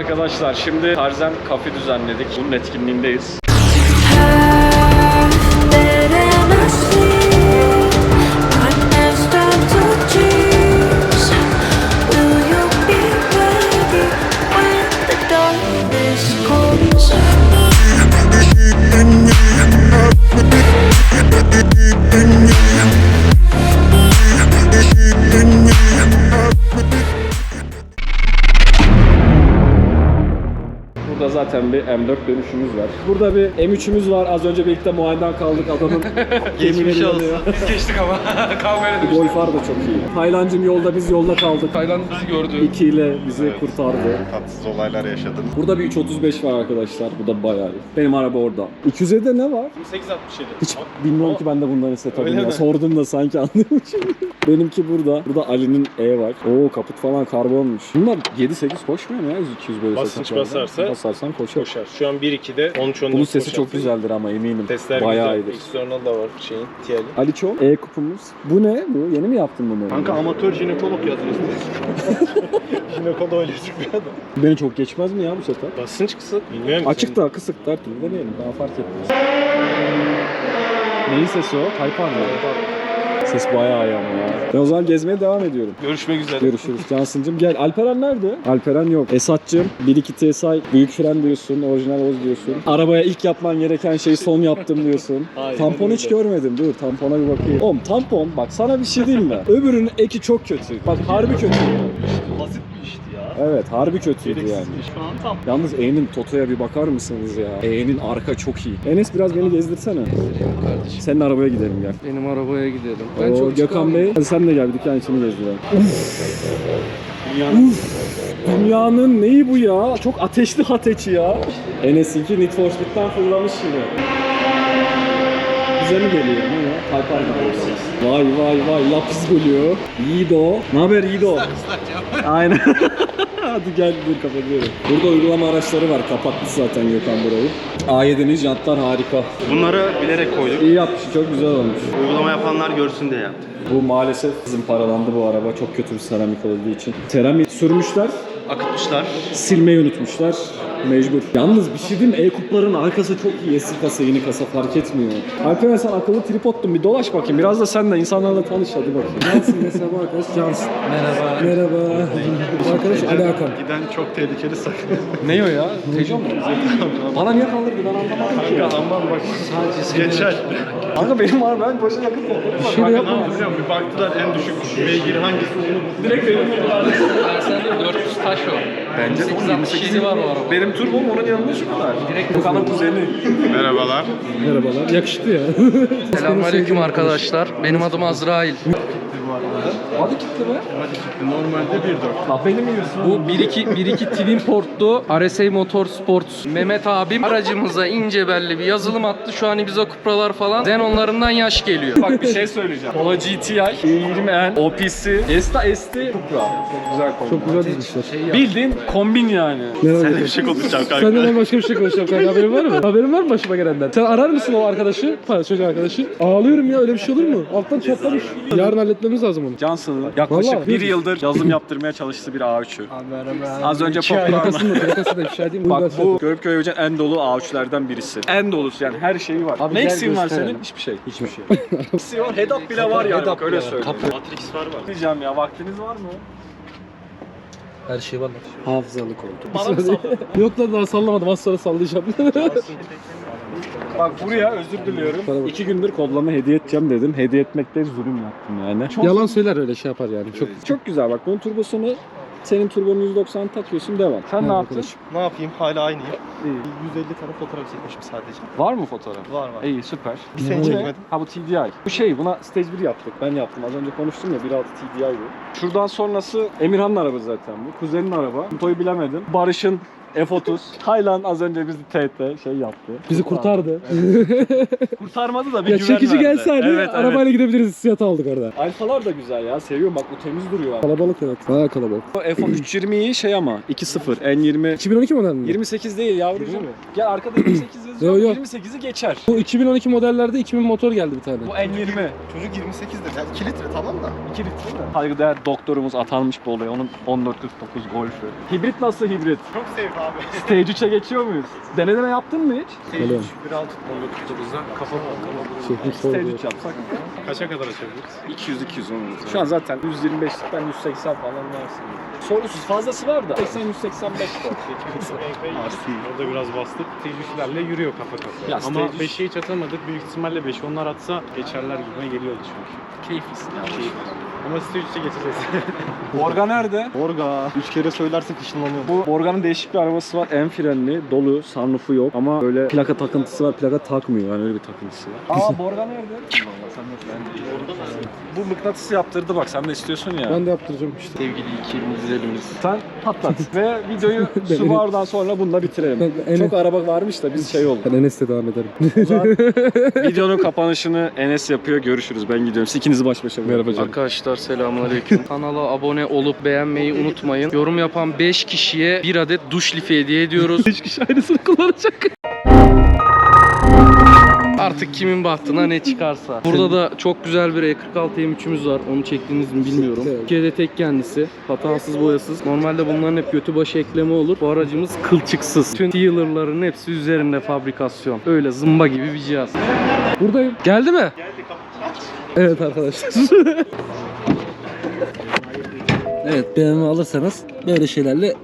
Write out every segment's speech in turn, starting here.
Arkadaşlar şimdi Tarzan Cafe düzenledik. Bunun etkinliğindeyiz. Burada zaten bir M4 dönüşümüz var. Burada bir M3'ümüz var. Az önce birlikte muayeneden kaldık adamın. Geçmiş olsun. Biz geçtik ama kavgaya düştük. Golfar da çok iyi. Taylancım yolda, biz yolda kaldık. Tayland bizi gördü. 2 ile bizi kurtardı. Tatsız olaylar yaşadım. Burada bir 335 var arkadaşlar. Bu da bayağı iyi. Benim araba orada. 200'de ne var? 867. Hiç bilmiyorum ki ben de bundan hissetmedim Öyle ya. mi? Sordum da sanki anlıyormuşum. Benimki burada. Burada Ali'nin E var. Oo, kaput falan karbonmuş. Bunlar 7-8 koşmuyor mu ya? 200 böyle Basınç satışlarda? basarsa Basarsan koşar. Koşar. Şu an 1-2'de 13-14 Bunun sesi koşar. çok güzeldir ama eminim. Testler bayağı güzel. iyidir. External da var şeyin, TL'in. Ali Çoğ, E kupumuz. Bu ne? Bu yeni mi yaptın bunu? Kanka amatör jinekolog yazıyor. Jinekolog öyle çıkıyor da. Beni çok geçmez mi ya bu sefer? Basınç kısık. Bilmiyorum. Açık da kısık her türlü deneyelim. Daha fark etmez. Neyin sesi o? Taypan mı? Ses bayağı iyi ama ya. Ben o zaman gezmeye devam ediyorum. Görüşmek üzere. Görüşürüz Cansıncım. Gel. Alperen nerede? Alperen yok. Esat'cığım 1-2 TSI büyük fren diyorsun. Orijinal Oz diyorsun. Arabaya ilk yapman gereken şeyi son yaptım diyorsun. Tampon hiç görmedim. Dur tampona bir bakayım. Oğlum tampon bak sana bir şey diyeyim mi? Öbürünün eki çok kötü. Bak harbi kötü. Basit bir işti ya. Evet harbi kötüydü yani. Şu an tam. Yalnız E'nin Toto'ya bir bakar mısınız ya? E'nin arka çok iyi. Enes biraz beni gezdirsene. Senin arabaya gidelim gel. Benim arabaya gidelim. Oo, Gökhan Bey, hadi sen de gel bir dükkan içini gezdirelim. Dünyanın neyi bu ya? Çok ateşli hateçi ya. Enes'inki Need for Speed'den fırlamış gibi. Bize mi geliyor? Ne ya? Taypan gibi. Vay vay vay, lapis geliyor. Yiğido. Ne haber Yiğido? Aynen. Hadi gel dur kapatıyorum. Burada uygulama araçları var. Kapattı zaten Gökhan burayı. A7'nin jantlar harika. Bunları bilerek koyduk. İyi yapmış, çok güzel olmuş. Uygulama yapanlar görsün diye yaptık. Bu maalesef bizim paralandı bu araba. Çok kötü bir seramik olduğu için. Seramik sürmüşler, Akıtmışlar. silmeyi unutmuşlar. Mecbur. Yalnız bir şey diyeyim mi? E-kupların arkası çok iyi. Eski kasa, yeni kasa fark etmiyor. Alperen sen akıllı tripoddun. Bir dolaş bakayım. Biraz da sen de insanlarla tanış hadi bakayım. Cansın mesela bu arkadaş Cansın. Merhaba. Merhaba. Bu arkadaş Ali Hakan. Giden çok tehlikeli sakın. Ne o ya? Tejon mu? Bana niye kaldırdı ben anlamadım ki. Kanka aman bak. Geçer. Kanka benim var ben boşa yakıt topladım. Bir şey Kanka ne yapacağım? Bir baktılar en düşük beygir hangisi onu Direkt benim buldular. Sende 400 taş o. Bence 867 var o araba. Benim turbom onun yanında şu kadar. Direkt Gökhan'ın kuzeni. Merhabalar. Merhabalar. Yakışıklı ya. Selamünaleyküm arkadaşlar. Benim adım Azrail. Adı kitle mi? Normalde 1.4. Bak beni mi yiyorsun? Bu 1.2 Twin Port'lu RSA Motorsports Mehmet abim aracımıza ince belli bir yazılım attı. Şu an Ibiza Cupra'lar falan Zenonlarından yaş geliyor. Bak bir şey söyleyeceğim. Polo GTI, E20N, OPC, Esta ST, Cupra. Çok güzel kombin. Çok güzel dizmişler. Bildiğin kombin yani. Sen de bir şey konuşacağım kanka. Senden ben başka bir şey konuşacağım kanka, haberin var mı? Haberin var mı başıma gelenden? Sen arar mısın o arkadaşı? Çocuk arkadaşı. Ağlıyorum ya, öyle bir şey olur mu? Alttan çatlamış. Yarın halletmemiz lazım onu. Johnson'ın yaklaşık Vallahi. bir yıldır yazılım yaptırmaya çalıştığı bir A3'ü. Az önce popüler. Plakası da ifşa edeyim. Bak bu Görüpköy Öğücen en dolu A3'lerden birisi. En dolusu yani her şeyi var. Abi ne gel eksiğin var gösterelim. senin? Hiçbir şey. Hiçbir şey. Eksiği var. Head-up bile var yani. Bak, öyle söyleyeyim. Matrix var. Diyeceğim ya vaktiniz var mı? Her şey var. Hafızalı koltuk. Bana mı Yok lan daha sallamadım, az sonra sallayacağım. Bak buraya özür diliyorum. 2 gündür kodlama hediye edeceğim dedim. Hediye etmekte zulüm yaptım yani. Yalan söyler, öyle şey yapar yani. Çok Çok güzel bak bunun turbosunu senin turbonun 190 takıyorsun devam. Sen ne yaptın? Ne yapayım? Hala aynıyım. 150 tane fotoğraf çekmişim sadece. Var mı fotoğraf? Var var. İyi süper. Bir sene Bu ne? çekmedim. Ha bu TDI. Bu şey buna stage 1 yaptık. Ben yaptım. Az önce konuştum ya 1.6 TDI bu. Şuradan sonrası Emirhan'ın araba zaten bu. Kuzenin araba. Motoyu bilemedim. Barış'ın F30. Taylan az önce bizi TT şey yaptı. bizi kurtardı. Kurtarmadı da bir Ya güven çekici verdi. gelse hani Evet, arabayla gidebiliriz, hissiyat aldık orada. Alfalar da güzel ya. Seviyorum bak bu temiz duruyor. Kalabalık evet. Bayağı kalabalık. F320'yi şey ama 2.0 N20 2012 model mi? 28 değil yavrucuğum. Gel arkada 28 yazıyor. Yok yok. 28'i geçer. Bu 2012 modellerde 2000 motor geldi bir tane. Bu N20. Çocuk 28'de. Yani 2 litre tamam da. 2 litre mi? Saygıdeğer doktorumuz atanmış bu olaya. Onun 1449 Golf'ü. Hibrit nasıl hibrit? Çok sevdi abi. Stage 3'e geçiyor muyuz? Deneme yaptın mı hiç? Öyle mi? 1.6 19.9'da kafa Stage 3 yapsak. Kaça kadar açabiliriz? 200-210 Şu an zaten 125'ten 180 falan varsın. Sorunsuz fazlası var da 80-185 var. Orada biraz bastık. Tecrübelerle yürüyor kafa kafa. Ya Ama stage- 5'e hiç atamadık. Büyük ihtimalle 5 onlar atsa geçerler gibime geliyordu çünkü. Keyiflisin ya. Ama stage 3'e geçeceğiz. Borga nerede? Orga. 3 kere söylersek ışınlanıyor. Bu Borga'nın değişik bir arabası var. En frenli, dolu, sunroofu yok ama böyle plaka takıntısı var. Plaka takmıyor yani öyle bir takıntısı var. Aa Borga nerede? Vallahi sen yok ben değil. Bu mıknatısı yaptırdı bak sen de istiyorsun ya. Ben de yaptıracağım işte. Sevgili iki güzelimiz. Sen patlat ve videoyu Subaru'dan sonra bununla bitirelim. Ben- Çok araba varmış da biz şey oldu. Ben Enes'le devam ederim. O zaman videonun kapanışını Enes yapıyor. Görüşürüz. Ben gidiyorum. Siz ikinizi baş başa bırakın. Merhaba canım. Arkadaşlar selamünaleyküm. Kanala abone olup beğenmeyi unutmayın. Yorum yapan 5 kişiye bir adet duş lifi hediye ediyoruz. 5 kişi aynısını kullanacak. Artık kimin bahtına ne çıkarsa. Burada da çok güzel bir E46 M3'ümüz var. Onu çektiniz mi bilmiyorum. Evet. Türkiye'de tek kendisi. Hatasız boyasız. Normalde bunların hep götü başı ekleme olur. Bu aracımız kılçıksız. Tüm dealer'ların hepsi üzerinde fabrikasyon. Öyle zımba gibi bir cihaz. Buradayım. Geldi mi? Geldi. Evet arkadaşlar. Evet BMW alırsanız böyle şeylerle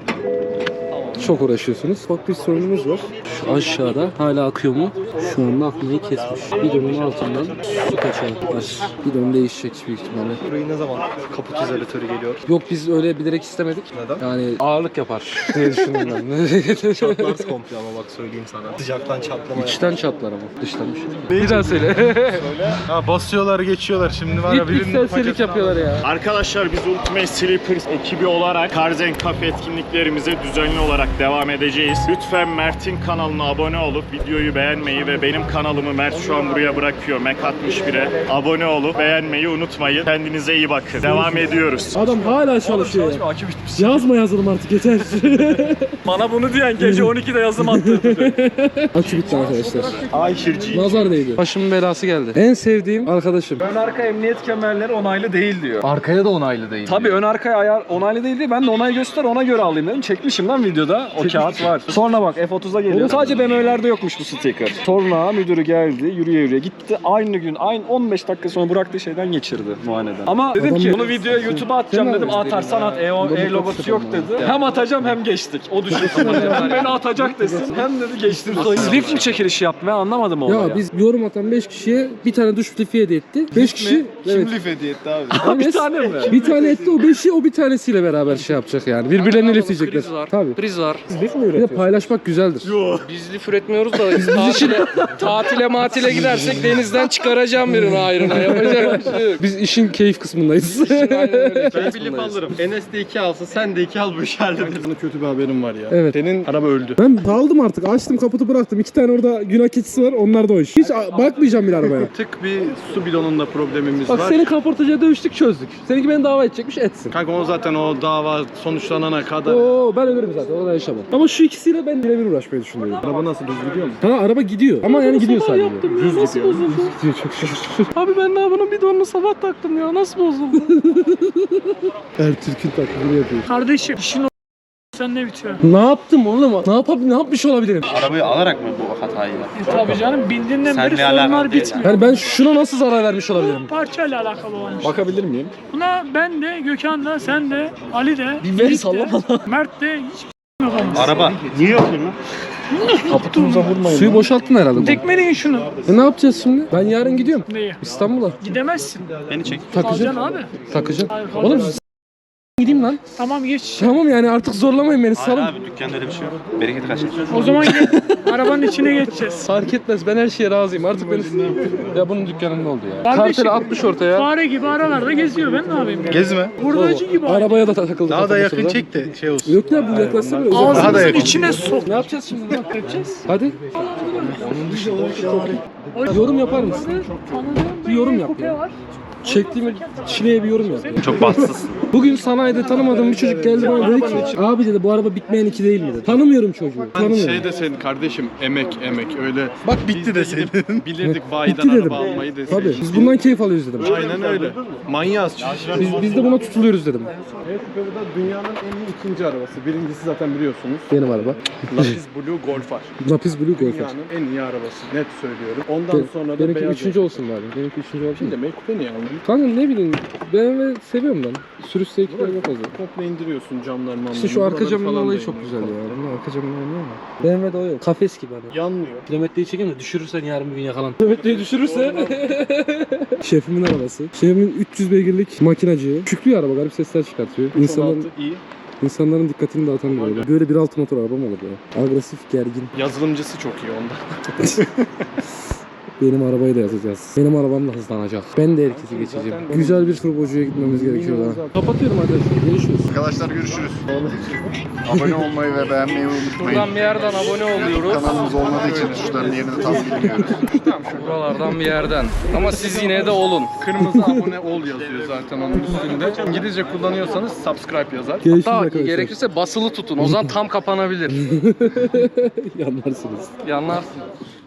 çok uğraşıyorsunuz. Bak bir sorunumuz var. Şu aşağıda hala akıyor mu? Şu anda akmayı kesmiş. Bidonun altından su kaçağı var. Bidon değişecek büyük ihtimalle. Burayı ne zaman kaput izolatörü geliyor? Yok biz öyle bilerek istemedik. Neden? Yani ağırlık yapar diye düşündüm ben. Çatlarsın komple ama bak söyleyeyim sana. Sıcaktan çatlama İçten çatlar ama dıştan bir şey. Bir daha söyle. Ha basıyorlar geçiyorlar şimdi var ya İlk serserilik yapıyorlar ya. Arkadaşlar biz Ultimate Sleepers ekibi olarak Karzen Cafe etkinliklerimize düzenli olarak devam edeceğiz. Lütfen Mert'in kanalına abone olup videoyu beğenmeyi ve benim kanalımı Mert şu an buraya bırakıyor. Mac 61'e abone olup beğenmeyi unutmayın. Kendinize iyi bakın. Devam ediyoruz. Adam hala çalışıyor ya. Yazma yazılım artık yeter. Bana bunu diyen gece 12'de yazım attırdı. Akü bitti arkadaşlar. Ayşirci. Nazar değdi. Başımın belası geldi. En sevdiğim arkadaşım. Ön arka emniyet kemerleri onaylı değil diyor. Arkaya da onaylı değil. Tabii ön arkaya ayar onaylı değil diye ben de onay göster ona göre alayım dedim. Çekmişim lan videoda. O kağıt var. Sonra bak F30'a geliyor. Sadece BMW'lerde yokmuş bu sticker. Sonra müdürü geldi yürüye yürüye gitti. Aynı gün 15 dakika sonra bıraktığı şeyden geçirdi muayeneden. Ama dedim ki bunu videoya YouTube'a atacağım dedim. Atarsan at E logosu yok dedi. Hem atacağım hem geçtik. O düşünsün. Hem beni atacak desin hem dedi geçtim. Lift mi çekilişi yaptı ben anlamadım o olayı. Ya biz yorum atan 5 kişiye bir tane duş lifi hediye etti. 5 kişi evet. Lif hediye etti abi. Bir tane mi? Bir tane etti o 5'i o bir tanesiyle beraber şey yapacak yani. Birbirlerini lifleyecekler. Kriz var. Tabii. Kriz var. Bir de paylaşmak güzeldir. Biz lif üretmiyoruz da tatile matile gidersek denizden çıkaracağım birini ayrına. Yapacak bir şey yok. Biz işin keyif kısmındayız. Aynen öyle. Ben bir lif alırım. Enes de 2 alsın sen de 2 al bu iş hallederim. Sana kötü bir haberim var ya. Evet. Senin araba öldü. Ben daldım artık. Açtım kaputu bıraktım. 2 tane orada günah keçisi var. Onlar da o iş. Hiç bakmayacağım bile arabaya. Tık bir su bidonunda problemimiz Bak var. seni kaportacıya dövüştük çözdük. Seninki beni dava edecekmiş etsin. Kanka o zaten o dava sonuçlanana kadar. Oo ben ölürüm zaten orada yaşamam. Ama şu ikisiyle ben birebir uğraşmayı düşünüyorum. Araba nasıl düz gidiyor mu? Ha araba gidiyor. Ama yani gidiyor sadece. Düz gidiyor. Gidiyor çok şükür. Abi ben daha bunun bidonunu sabah taktım ya. Nasıl bozuldu? Ertürk'ün taklidini yapıyor. Kardeşim işin sen ne bitiyor? Ne yaptım oğlum? Ne yapmış olabilirim? Arabayı alarak mı bu hatayı yaptın? Tabii canım bildiğinden beri Seninle alakalı sorunlar değil bitmiyor. Yani ben şuna nasıl zarar vermiş olabilirim? Bu parçayla alakalı olmuş. Bakabilir miyim? Buna ben de, Gökhan da, sen de, Ali de, Bir veri Yiğit salla de, Mert de hiç yapamaz. Araba. Niye yapıyorsun lan? Kaputumuza vurmayın. Suyu boşalttın herhalde bu. Tekmeleyin şunu. Ne yapacağız şimdi? Ben yarın gidiyorum Neyi? İstanbul'a. Gidemezsin. Beni çek. Kalacaksın Takacağım. abi. Takacağım. Hayır, Oğlum kalacaksın. gideyim lan. Tamam geç. Tamam yani artık zorlamayın beni Hayır salın. abi dükkanda öyle bir şey yok. Bereketi kaçar. O zaman arabanın içine geçeceğiz. Fark etmez ben her şeye razıyım artık beni. Ya bunun dükkanında oldu ya. Kardeşim, Karteli atmış ortaya. Fare gibi aralarda geziyor ben ne yapayım ya? Gezme. Hurdacı gibi. Arabaya da takıldı. Daha da kafamı yakın sonra. çek de şey olsun. Yok ya bu yaklaşsa bile uzak. Daha da Ağzımızın yakın. içine sok. Ne yapacağız şimdi? Ne Yapacağız. Hadi. Yorum yapar mısın? Bir yorum yap Kupe ya. var. çektiğim çileye bir yorum yap. Çok bahtsızsın. Bugün sanayide tanımadığım bir çocuk geldi bana dedi ki abi dedi bu araba bitmeyen 2 değil mi dedi. Tanımıyorum çocuğu. Tanımıyorum. Şey deseydin kardeşim emek öyle. Bak bitti deseydin. Bilirdik bayiden Bitti dedim. araba almayı Tabii deseydin. biz bundan keyif alıyoruz dedim. Aynen öyle. Manyağız. Biz de buna tutuluyoruz dedim. E-Scoot'da dünyanın en iyi ikinci arabası. Birincisi zaten biliyorsunuz. Benim araba. Lapis Blue Golf R. Lapis Blue Golf. Dünyanın en iyi arabası. Net söylüyorum. Ondan sonra da Benimki beyaz. 3. olsun bari. Benimki 3. olsun. Şimdi demek kupe niye aldın? Kanka ne bileyim BMW seviyorum ben. Sürüş zevkleri yok fazla. Komple indiriyorsun camlar mamlar. İşte şu arka Buraları camın falan olayı da çok güzel indiriyorsun. ya. Bunun arka camın olayı ama. BMW'de o yok. Kafes gibi hani. Yanmıyor. Kilometreyi çekeyim de düşürürsen yarın bir gün yakalan. Kilometreyi düşürürse. Şefimin arabası. Şefimin 300 beygirlik makinacı. Küçüklüğü araba garip sesler çıkartıyor. İnsanların iyi. İnsanların dikkatini dağıtan bir araba. Böyle 1.6 motor araba mı olur ya? Agresif, gergin. Yazılımcısı çok iyi onda. Benim arabayı da yazacağız. Benim arabam da hızlanacak. Ben de herkesi geçeceğim. Güzel bir turbocuya gitmemiz gerekiyor daha. Kapatıyorum arkadaşlar. Görüşürüz. Arkadaşlar görüşürüz. Abone olmayı ve beğenmeyi unutmayın. Buradan bir yerden abone oluyoruz. Kanalımız olmadığı için tuşların yerini tavsiye ediyoruz. Buralardan bir yerden. Ama siz yine de olun. Kırmızı abone ol yazıyor zaten onun üstünde. İngilizce kullanıyorsanız subscribe yazar. Görüşürüz Hatta arkadaşlar. gerekirse basılı tutun. O zaman tam kapanabilir. Yanlarsınız. Yanlarsın.